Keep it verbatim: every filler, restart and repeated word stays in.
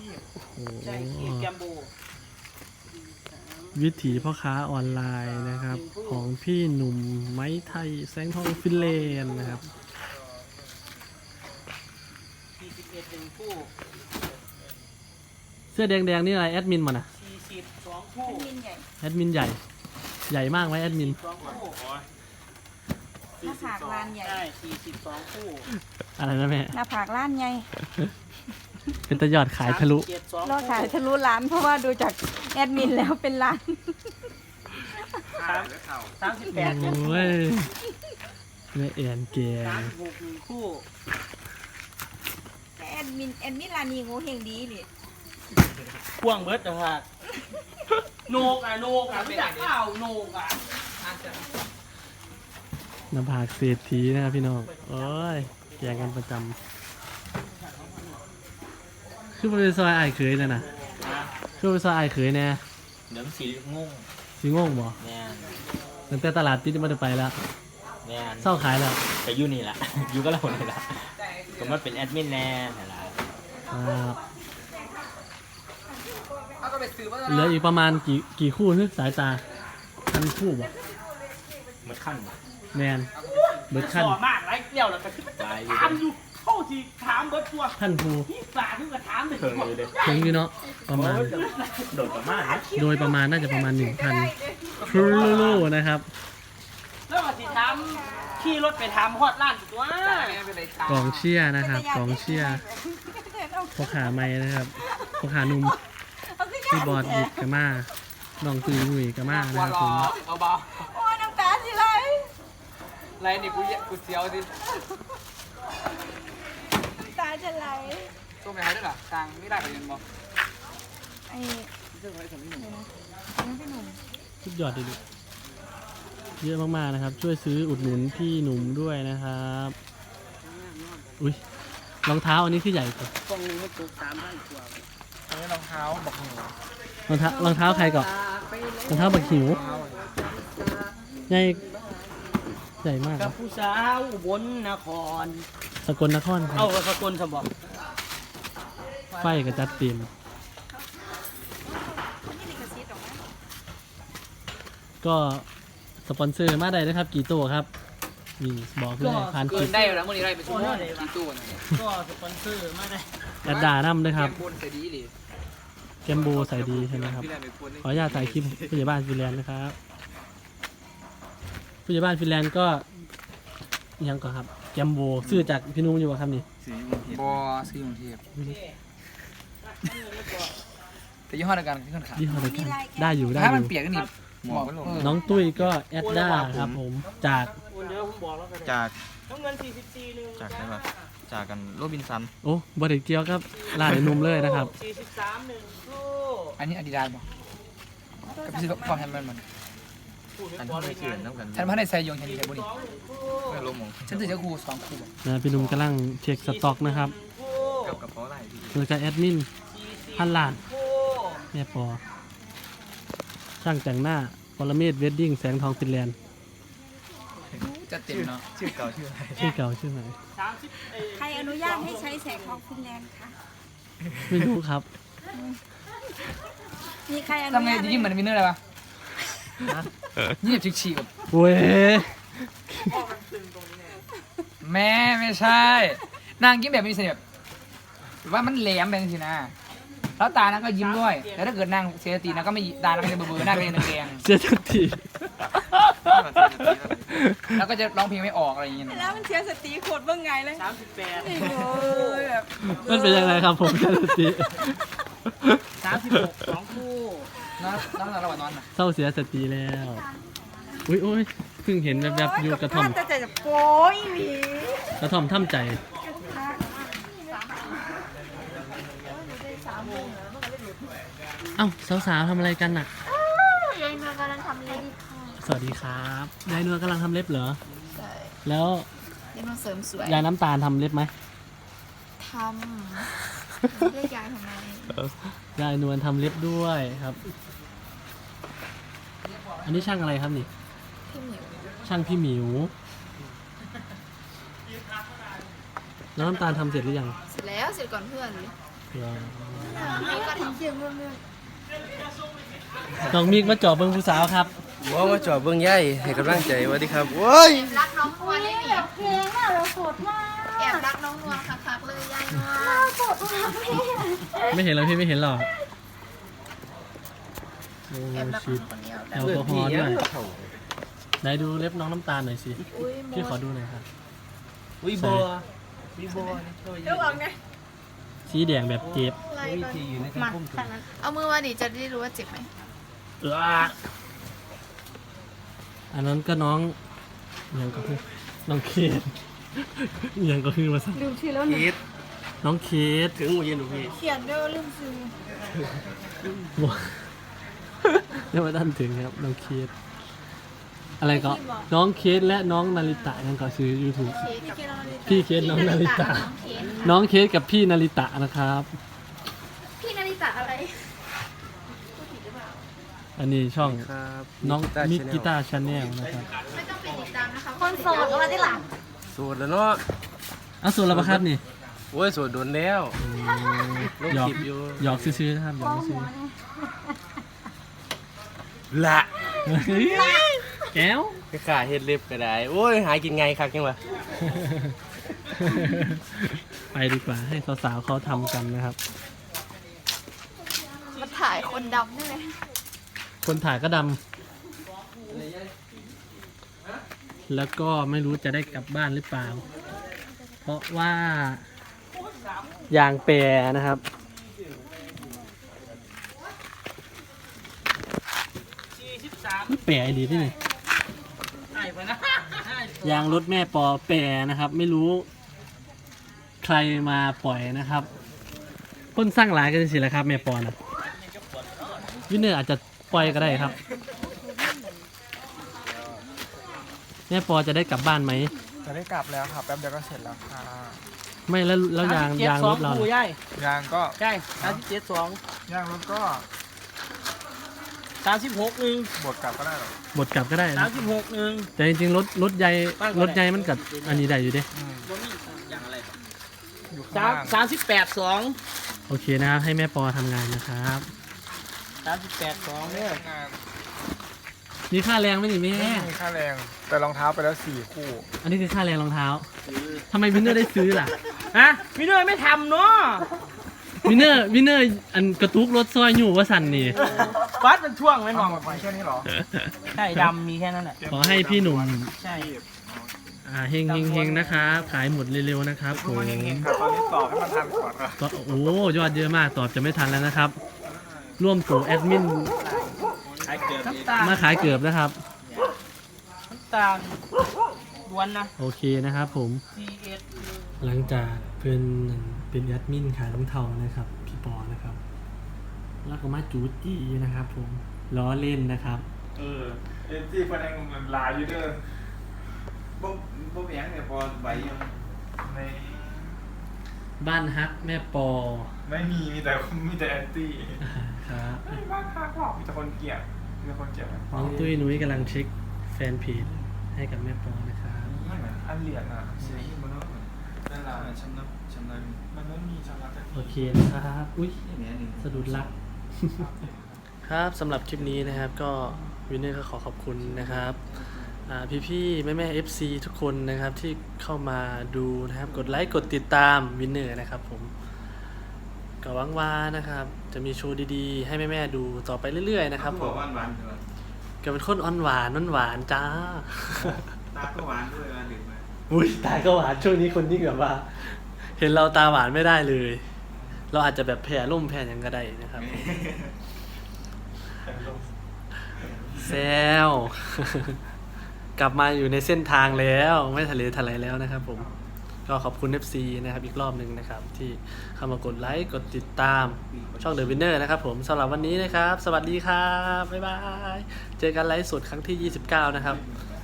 ใช่คีบแกมโบวิถีพ่อค้าออนไลน์นะครับของพี่หนุ่มไม้ไทยแสงทองฟินแลนด์นะครับสี่สิบเอ็ดหนึ่งคู่เสื้อแดงๆนี่อะไรแอดมินมันอะสี่สิบสองคู่แอดมินใหญ่ใหญ่มากไหมแอดมินสองคู่หน้าผากล้านใหญ่ใช่สี่สิบสองคู่อะไรนะแม่หน้าผากล้านใหญ่เป็นตะยอดขายทะลุยอดขายทะลุล้านเพราะว่าดูจากแอดมินแล้วเป็นล้านสามสิบแปดโอ้ยแม่เอียนเกียสามสิบหกหนึ่งคู่แอดมินแอดมินร้านนี้โง่เฮงดีเลยพ่วงเบิร์ดนะครับโนกอ่ะโนกอ่ะไม่อยากเปล่าโนกอ่ะน้ำผากเศรษฐีนะครับพี่น้องโอ้ยแข่งกันประจำคือเป็นซอยไอ้เคยนะนะคือเป็นซอยไอ้เคยแน่เดี๋ยวสีงงสีงงบ่แน่ตั้งแต่ตลาดติดมาได้ไปแล้วแน่เศร้าขายแล้วไปอยู่นี่แหละอยู่ก็เรานี่แหละก็มาเป็นแอดมินแน่นี่แหละเหลืออีกประมาณกี่กี่คู่นึกสายตาพันคู่บ่เบิดขั้นแมนเบิดขั้นมากไรเดี่ยวแล้วก็ถามอยู่เข้าทีถามเบิดตัวท่านครูที่สาที่ก็ถามเลยถึงอยู่เนาะประมาณโดยประมาณโดยประมาณน่าจะประมาณหนึ่งพันครูลูนะครับแล้วมาสิถามขี่รถไปถามฮอดร้านตัวกองเชียร์นะครับกองเชียร์พ่อขาไม้นะครับพ่อขานุ่มที่บอดดิกกะมาน้องตุยมุยกะมานะครับผมเบาๆโอ้ยน้ำตาสิไหลไรนี่กูกูเสียวสิตาจะไหลตัวไหนด้วยล่ะตังไม่ได้กับยันบอกไอ้เรื่องอะไรสำคัญนะพี่หนุ่มสุดยอดเลยเยอะมากๆนะครับช่วยซื้ออุดหนุนพี่หนุ่มด้วยนะครับอุ้ยรองเท้าอันนี้คือใหญ่กว่ากล่องนึงมันตกสามพันกว่าอันนี้รองเท้าบักหิวรองเท้ารองเท้าใครก่อนรองเท้าบักหิวใหญ่ใหญ่มากกับผู้สาวอุบลนครสกลนครเอาสกลสมบัติไฟกระจัดเต็มก็สปอนเซอร์มาได้นะครับกี่ตัวครับมีบอกเพื่อผ่านคลิปได้แล้วมื่อนี้ได้ไปชั่วโมงกี่ตัวก็สปอนเซอร์มาได้แอดดาน้ำด้วยครับแกมโบใส่ดีหรือแกมโบใส่ดีใช่ไหมครับขออนุญาตถ่ายคลิปผู้ใหญ่บ้านฟินแลนด์นะครับผู้ใหญ่บ้านฟินแลนด์ก็ยังก่อนครับแกมโบซื้อจากพี่นุ่มอยู่ครับนี่บอซื้อของเทียบแต่ยี่ห้อเดียวกันที่คนขายยี่ห้อเดียวกันได้อยู่ได้อยู่ถ้ามันเปียกก็หนีบน้องตุ้ยก็แอดด้าครับผมจากจากจากไหนวะจากกันโรบินสันโอ้บริเกียวครับลายนุ่มเลยนะครับสี่สิบสามหนึ่งคู่อันนี้อาดิดาสป่ะกับพี่ก็ความแฮมมันมันอันที่ไม่เกินน้ำกันฉันพันในไซยงฉันดีแต่บุรีไม่ลงมงฉันถือจะคู่สองคู่นะพี่นุ่มกำลังเช็คสต็อกนะครับกับกับเพราะอะไรโดยการแอดมินพันล้านแม่ปอช่างแต่งหน้าปรเมศเวดดิ้งแสงทองฟินแลนด์จะเต็มเนาะชื่อเก่าชื่ออะไรชื่อเก่าชื่อไหนใครอนุญาตให้ใช้แสงทองฟินแลนด์คะไม่รู้ครับมีใครอนุญาตทำไงยิ้มเหมือนวินเนอร์อะไรวะยิ้มฉีกๆแบบเว้ยแม่ไม่ใช่นางยิ้มแบบมีเสน่ห์แบบว่ามันแหลมแบบนี้นะแล้วตานั้นก็ยิ้มด้วยแล้วถ้าเกิดนางเสียสตินางก็ไม่ตานั้นก็จะเบื่อๆหน้าก็จะแดงเสียสติแล้วก็จะร้องเพลงไม่ออกอะไรอย่างเงี้ยแล้วมันเสียสติโคตรเบื้องไงเลยสามสิบแปดแบบมันเป็นยังไงครับผมเสียสติสามสิบหกสองคู่นอนนอนระหว่างนอนนะเศร้าเสียสติแล้วอุ้ยอุ้ยเพิ่งเห็นแบบๆอยู่กระท่อมแต่จะโป้ยหวีกระท่อมท่ำใจเอ้าสาวๆทำอะไรกันน่ะยายนวลกำลังทำเล็บสวัสดีครับยายนวลกำลังทำเล็บเหรอใช่แล้วยายนวลเสริมสวยยายน้ำตาลทำเล็บไหมทำเรียกยายทำไมยายนวลทำเล็บด้วยครับอันนี้ช่างอะไรครับนี่พี่หมิวช่างพี่หมิวแล้วน้ำตาลทำเสร็จหรือยังเสร็จแล้วเสร็จก่อนเพื่อนเลยน้องมิกมาจอบเบิ่งผู้สาวครับว่ามาจอบเบื้องใหญ่ให้กำลังใจสวัสดีครับโอ้ยรักน้องนัวได้ไหมเพลงอ่ะเราสดมากแอบรักน้องนัวคักๆเลยยายนัวเราสดมากพี่ไม่เห็นแล้วพี่ไม่เห็นหรอกโอ้แอบรักชิน้ดองคนเดียวแอลกอฮอล์ด้วยไหนดูเล็บน้องน้ำตาลหน่อยสิพี่ขอดูหน่อยครับวิบัววิบัวเดี๋ยวออกไงสีแดงแบบเจ็บอะไรวิก่อนธีอยู่ในการมาควบคุขมนาดเอามือมาดิจะได้รู้ว่าเจ็บไหมเอออันนั้นก็น้องอิหยังก็คือน้องเคสอิหยังก็คือมาสักลืมชื่อแล้วหนูคิดน้องเคสถึงหัวเย็นหนูพี่เขียนด้วยว่าลืมซื้อบอกเรียกว่าท่านถึงครับน้องเคสอะไรก็น้องเคสและน้องนาริตะนั่นก็ชื่อ YouTube พี่เคสน้องนาริตะ น้องเคสกับพี่นาริตะนะครับพี่นาริตะอะไรอันนี้ช่องครับน้องมิกกีตาตาร์ชาแนลนะครับไม่ต้องไปติดตามนะคะคนโสดมาที่หลังสวดแล้วเนาะเอาส่วนละครับนี่โอ้ยสวดโดนแล้วลงหยอกคลิปอยู่หยอกซื้อๆนะครับหยอกซื้อละๆแก้วไปขาเฮ็ดเล็บก็ได้โอ้ยหากินไงครับจังวะไปดีกว่าให้สาวๆเขาทำกันนะครับมาถ่ายคนดำนี่เลยคนถ่ายก็ดำแล้วก็ไม่รู้จะได้กลับบ้านหรือเปล่า เพราะว่ายางแปรนะครับไม่แปรดีที่ไหนยางรถแม่ปอแปรนะครับ ไม่รู้ใครมาปล่อยนะครับคนสร้างหลายกันสิแหละครับแม่ปอนะวินเนอร์อาจจะปล่อยก็ได้ครับ แม่ปอจะได้กลับบ้านไหมจะได้กลับแล้วครับแป๊บเดียวก็เสร็จแล้วค่ะไม่แล้วแล้วยางยางรถเราล่ะยางก็ใช่สามสิบเจ็ดสองยางรถก็สามสิบหกหนึ่งบดกลับก็ได้หรอกบดกลับก็ได้สานะมสิบหกหนึ่งแต่จริงๆรถรถใหญ่รถใหญ่มันกับอันนี้ได้อยู่เด้อืมอย่างอะไรอยู่ข้างสามล่างสามสิบแปดสองโอเคนะครับให้แม่ปอทำงานนะครับสามสิบแปดสองเนี่ยงานมีค่าแรงไหมนี่แม่ไม่มีค่าแรง แต่รองเท้าไปแล้วสี่คู่อันนี้คือค่าแรงรองเท้าทำไมวินเนอร์ได้ซื้อล่ะฮะพี่เนยไม่ทำเนาะวินเนอร์วินเนอร์อันกระตุกรถซอยอยู่ว่าสันนี่วัดเป็นช่วงไหมน้เอาองหมดไปแค่นี้เหรอใช่ดำมีแค่นั้นแหละขอให้พี่หนุ่มใช่อ่าเฮงเฮงเฮงนะครับขายหมดเร็วๆนะครับผทุกมคนยังเห็นครับตอนนี้ตอบให้มันทันก่อนครับก็โอ้ยอดเยอะมากตอบจะไม่ทันแล้วนะครับ ร่วมตัวแอดมินน้ำตาลมาขายเกือบนะครับน้ำตาลล้วนนะโอเคนะครับผมซีเอสหลังจากเพื่อนเป็นแอดมินขายรองเท้านะครับพี่ปอนะครับ แล้วก็มาจูจี้นะครับผมล้อเล่นนะครับเออเอ็นจีประเด็นมันลายอยู่เด้อบ่บ่แพงเนี่ยพอไหวยังในบ้านฮักแม่ปอไม่มีมีแต่มีแต่แอนตี้ครับไม่บ้านฮักหรอกมีแต่คนเกลียดมีแต่คนเกลียดน้องตุ้ยนุ้ยกำลังเช็คแฟนเพจให้กับแม่ปอนะครับไม่เหมือนอันเหรียญอ่ะเสียที่มันต้องเหมือนนั่นแหละชำระชำระมันไม่มีชำระแต่โอเคนะครับ อุ้ยสะดุดรัก ครับสำหรับคลิปนี้นะครับก็วินเนอร์ก็ขอขอบคุณนะครับพี่พี่ๆแม่แม่เอฟซีทุกคนนะครับที่เข้ามาดูนะครับกดไลค์กดติดตามวินเนอร์นะครับผมก็หวังว่านะครับ จะมีโชว์ดีๆ ให้แม่แม่ๆดูต่อไปเรื่อยๆนะครับผมหวานหวานใช่ไหมก็เป็นคนอ่อนหวานอ่อนหวานจ้าตาก็หวานด้วยมาดื่มมาอุ้ยตาก็หวานช่วงนี้คนที่แบบว่า เห็นเราตาหวานไม่ได้เลย เราอาจจะแบบแผ่ร่มแผ่หยังก็ได้นะครับ แซว กลับมาอยู่ในเส้นทางแล้วไม่ทะเลทลายแล้วนะครับผมก็ขอบคุณ เอฟ ซี นะครับอีกรอบหนึ่งนะครับ ที่เข้ามากดไลค์กดติดตามช่อง The Winner นะครับผมสำหรับวันนี้นะครับ สวัสดีครับ บ๊ายบาย เจอกันไลฟ์สดครั้งที่ยี่สิบเก้านะครับ